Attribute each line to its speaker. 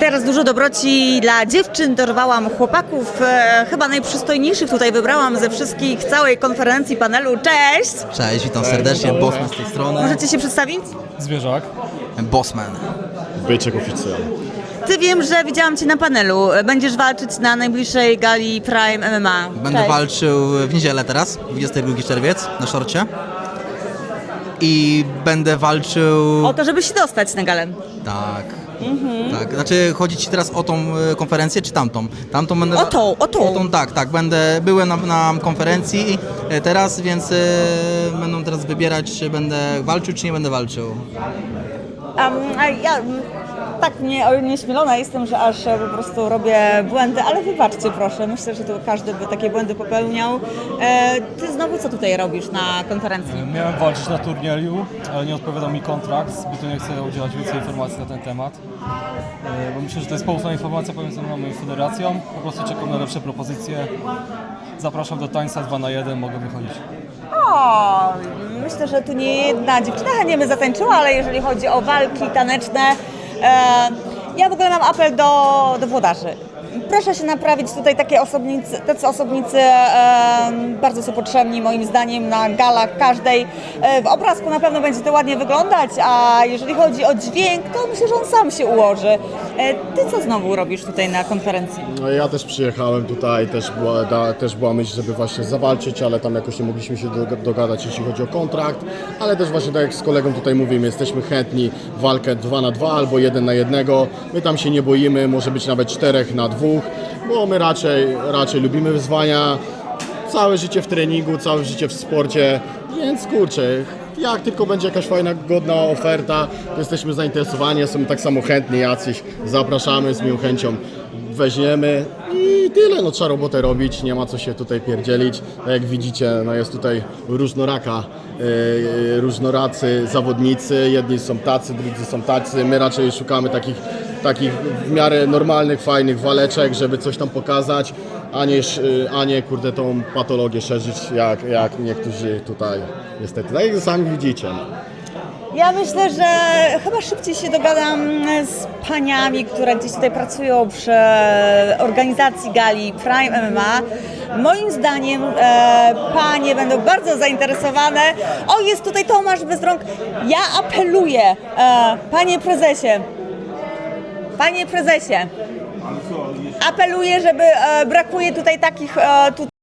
Speaker 1: Teraz dużo dobroci dla dziewczyn, dorwałam chłopaków, chyba najprzystojniejszych tutaj wybrałam ze wszystkich całej konferencji, panelu. Cześć!
Speaker 2: Cześć, witam serdecznie, Bossman z tej strony.
Speaker 1: Możecie się przedstawić?
Speaker 3: Zwierzak.
Speaker 2: Bossman.
Speaker 4: Byczek oficjalny.
Speaker 1: Ty, wiem, że widziałam Cię na panelu. Będziesz walczyć na najbliższej gali Prime MMA.
Speaker 2: Będę
Speaker 1: Cześć.
Speaker 2: walczył w niedzielę teraz, 22 czerwiec, na szorcie. I będę walczył...
Speaker 1: O to, żeby się dostać na galę.
Speaker 2: Tak. Tak, znaczy chodzi Ci teraz o tą konferencję, czy tamtą? Tamtą będę...
Speaker 1: O tą.
Speaker 2: O tą, tak, byłem na konferencji teraz, więc będą teraz wybierać, czy będę walczył, czy nie będę walczył.
Speaker 1: A ja tak nieśmielona jestem, że aż po prostu robię błędy, ale wybaczcie proszę, myślę, że tu każdy by takie błędy popełniał. Ty znowu co tutaj robisz na konferencji?
Speaker 3: Miałem walczyć na turnieju, ale nie odpowiadał mi kontrakt, zbyt nie chcę udzielać więcej informacji na ten temat. Bo myślę, że to jest poufna informacja pomiędzy mną i federacją. Po prostu czekam na lepsze propozycje. Zapraszam do tańca 2 na 1, mogę wychodzić.
Speaker 1: O, myślę, że tu nie jedna dziewczyna chętnie by zatańczyła, ale jeżeli chodzi o walki taneczne, ja w ogóle mam apel do włodarzy. Proszę się naprawić tutaj tacy osobnicy bardzo są potrzebni moim zdaniem na galach każdej. W obrazku na pewno będzie to ładnie wyglądać, a jeżeli chodzi o dźwięk, to myślę, że on sam się ułoży. Ty co znowu robisz tutaj na konferencji?
Speaker 4: No ja też przyjechałem tutaj, też była myśl, żeby właśnie zawalczyć, ale tam jakoś nie mogliśmy się dogadać, jeśli chodzi o kontrakt, ale też właśnie tak jak z kolegą tutaj mówimy, jesteśmy chętni w walkę 2 na 2 albo 1 na 1. My tam się nie boimy, może być nawet 4 na 2, bo my raczej lubimy wyzwania, całe życie w treningu, całe życie w sporcie, więc kurczę, jak tylko będzie jakaś fajna, godna oferta, to jesteśmy zainteresowani, jesteśmy tak samo chętni jacyś, zapraszamy, z miłą chęcią weźmiemy i tyle, no trzeba robotę robić, nie ma co się tutaj pierdzielić, tak jak widzicie, no jest tutaj różnoracy zawodnicy, jedni są tacy, drudzy są tacy, my raczej szukamy takich w miarę normalnych, fajnych waleczek, żeby coś tam pokazać, a nie kurde tą patologię szerzyć, jak niektórzy tutaj niestety, tak jak sami widzicie. No.
Speaker 1: Ja myślę, że chyba szybciej się dogadam z paniami, które gdzieś tutaj pracują przy organizacji gali Prime MMA. Moim zdaniem panie będą bardzo zainteresowane. O, jest tutaj Tomasz Bezrąk. Ja apeluję, panie prezesie, apeluję, żeby brakuje tutaj takich